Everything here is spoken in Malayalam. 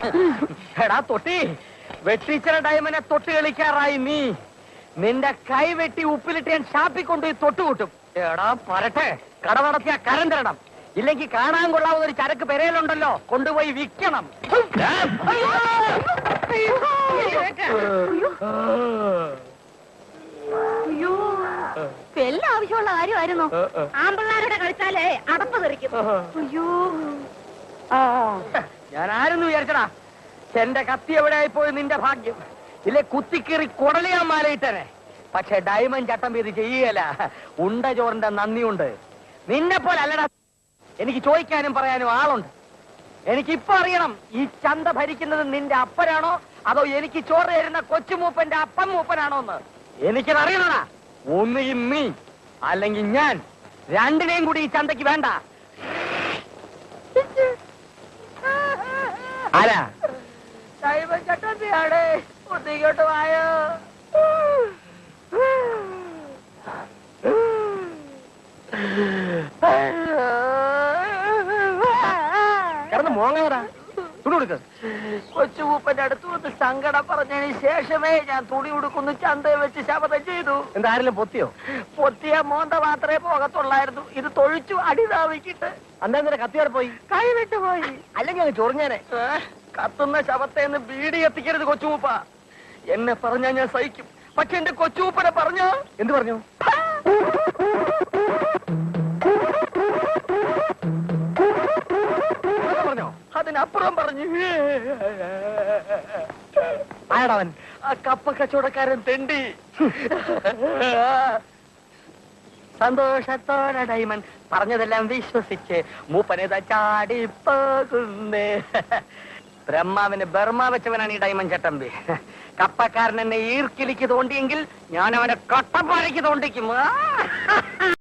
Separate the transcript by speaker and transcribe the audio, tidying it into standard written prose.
Speaker 1: എടാ തൊട്ടി, വെട്ടിച്ചിറ ഡയമനെ തൊട്ട് കളിക്കാറായി നീ. നിന്റെ കൈ വെട്ടി ഉപ്പിലിട്ട് ഞാൻ ഷാപ്പിൽ കൊണ്ടുപോയി തൊട്ടുകൂട്ടും. എടാ പരട്ടെ, കട നടത്തിയ കരം തരണം. ഇല്ലെങ്കിൽ കാണാൻ കൊള്ളാവുന്ന ഒരു ചരക്ക് പെരയിലുണ്ടല്ലോ, കൊണ്ടുപോയി വിൽക്കണം.
Speaker 2: എല്ലാം ആവശ്യമുള്ള കാര്യമായിരുന്നു. ആമ്പിള്ളാരുടെ കളിച്ചാലേ അടപ്പ് തെറിക്കും. അയ്യോ,
Speaker 1: ഞാൻ ആരെന്ന് വിചാരിച്ചടാ? എന്റെ കത്തി എവിടെയായി പോയി നിന്റെ ഭാഗ്യം. ഇല്ലേ കുത്തിക്കേറി കുടലിയാൻ മാലയിട്ടനെ. പക്ഷെ ഡയമണ്ട് ചട്ടം ഇത് ചെയ്യല. ഉണ്ട ചോറിന്റെ നന്ദിയുണ്ട്. നിന്നെ പോലെ അല്ലടാ, എനിക്ക് ചോദിക്കാനും പറയാനും ആളുണ്ട്. എനിക്കിപ്പോ അറിയണം, ഈ ചന്ത ഭരിക്കുന്നത് നിന്റെ അപ്പനാണോ അതോ എനിക്ക് ചോറ് തരുന്ന കൊച്ചുമൂപ്പന്റെ അപ്പൻ മൂപ്പനാണോ എന്ന്. എനിക്കത് അറിയണടാ. ഒന്നുകിൽ നീ അല്ലെങ്കിൽ ഞാൻ, രണ്ടിനെയും കൂടി ഈ ചന്തയ്ക്ക് വേണ്ട. ആരാ? ചട്ടത്തിയാടേ, ഒന്നിങ്ങോട്ട് വായോ. കിടന്ന് മോങ്ങടാ, തുണി കൊടുക്ക. കൊച്ചുമൂപ്പന്റെ അടുത്ത് വന്ന് സങ്കടം പറഞ്ഞതിന് ശേഷമേ ഞാൻ തുണി ഉടുക്കുന്നു ചന്തയെ വെച്ച് ശപഥം ചെയ്തു. എന്താ ആരെങ്കിലും പൊത്തിയോ? പൊത്തിയ മോന്ത മാത്രമേ പോകത്തുള്ളായിരുന്നു. ഇത് തൊഴിച്ചു അടിതാവിക്കിട്ട്. അന്നേരം കത്തിയോടെ പോയി, കൈ വിട്ടു പോയി. അല്ലെങ്കിൽ അങ്ങ് ചൊറിഞ്ഞാനെ. കത്തുന്ന ശവത്തേന്ന് ബീഡി എത്തിക്കരുത് കൊച്ചുമൂപ്പ. എന്നെ പറഞ്ഞാ ഞാൻ സഹിക്കും. പക്ഷെ എന്റെ കൊച്ചുമൂപ്പനെ പറഞ്ഞോ? എന്ത് പറഞ്ഞു? പറഞ്ഞോ? അതിനപ്പുറം പറഞ്ഞു. ആയടവൻ? ആ കപ്പ കച്ചവടക്കാരൻ തെണ്ടി. സന്തോഷത്തോടെ ഡയമണ്ട് പറഞ്ഞതെല്ലാം വിശ്വസിച്ച് മൂപ്പനേതാ ചാടിപ്പോകുന്നേ. ബ്രഹ്മാവിന് ബർമ്മ വെച്ചവനാണ് ഈ ഡയമണ്ട് ചട്ടമ്പി. കപ്പക്കാരൻ എന്നെ ഈർക്കിലിക്ക് തോണ്ടിയെങ്കിൽ ഞാൻ അവനെ കട്ടപ്പാറയ്ക്ക് തോണ്ടിക്കും.